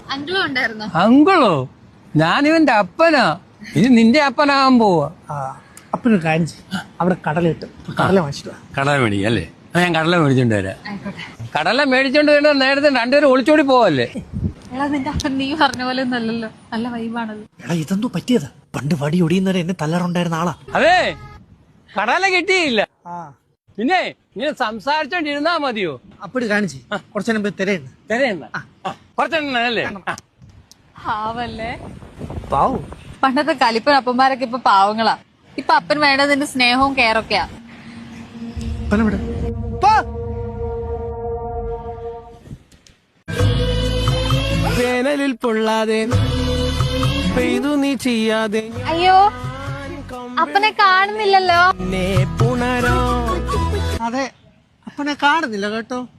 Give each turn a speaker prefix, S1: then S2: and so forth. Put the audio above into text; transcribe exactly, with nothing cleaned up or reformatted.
S1: അങ്കിളും ഉണ്ടായിരുന്നോ?
S2: അങ്കിളോ? ഞാനിവന്റെ അപ്പനാ. ഇത് നിന്റെ അപ്പനാകാൻ പോവാ.
S3: അപ്പനൊരു കാര്യം ചെയ്യും, അവിടെ കടലിട്ട് കടല വാങ്ങിച്ചിട്ട് വാ.
S2: കടല മേടിക്കും അല്ലേ? ഞാൻ കടല മേടിച്ചോണ്ട് വരാം. കടല മേടിച്ചോണ്ട് വരാ. നേരത്തെ രണ്ടുപേരും ഒളിച്ചോടി പോവല്ലേ?
S1: എടാ നിന്റെ അപ്പൻ നീ പറഞ്ഞ പോലെ ഒന്നല്ലല്ലോ, നല്ല വൈബാണല്ലോ.
S3: എടാ ഇതെന്തോ പറ്റിയതാ? പണ്ട് വടി ഒടിയുന്നവരെ എന്നെ തല്ലാറുണ്ടായിരുന്ന ആളാ.
S2: അതെ, കടല കിട്ടിയില്ല.
S3: ആ
S2: പിന്നെ ഇങ്ങനെ സംസാരിച്ചോണ്ടിരുന്നാ മതിയോ?
S3: അപ്പടി കാണിച്ച് കുറച്ചു നേരം പോയി തിരയുന്നു.
S2: തരേണ്ട കുറച്ചെണ്ണ അല്ലേ?
S1: പാവല്ലേ
S3: പാവു.
S1: പണ്ടത്തെ കലിപ്പൻ അപ്പന്മാരൊക്കെ ഇപ്പൊ പാവങ്ങളാ. ഇപ്പൊ അപ്പൻ വേണ്ടത് നിന്റെ സ്നേഹവും കെയറൊക്കെയാ.
S3: അപ്പനെവിടെ?
S4: വേനലിൽ പൊള്ളാതെ പെയ്തു നീ ചെയ്യാതെ
S1: അയ്യോ അപ്പനെ കാണുന്നില്ലല്ലോ.
S4: പുണരോ.
S3: അതെ, അപ്പനെ കാണുന്നില്ല കേട്ടോ.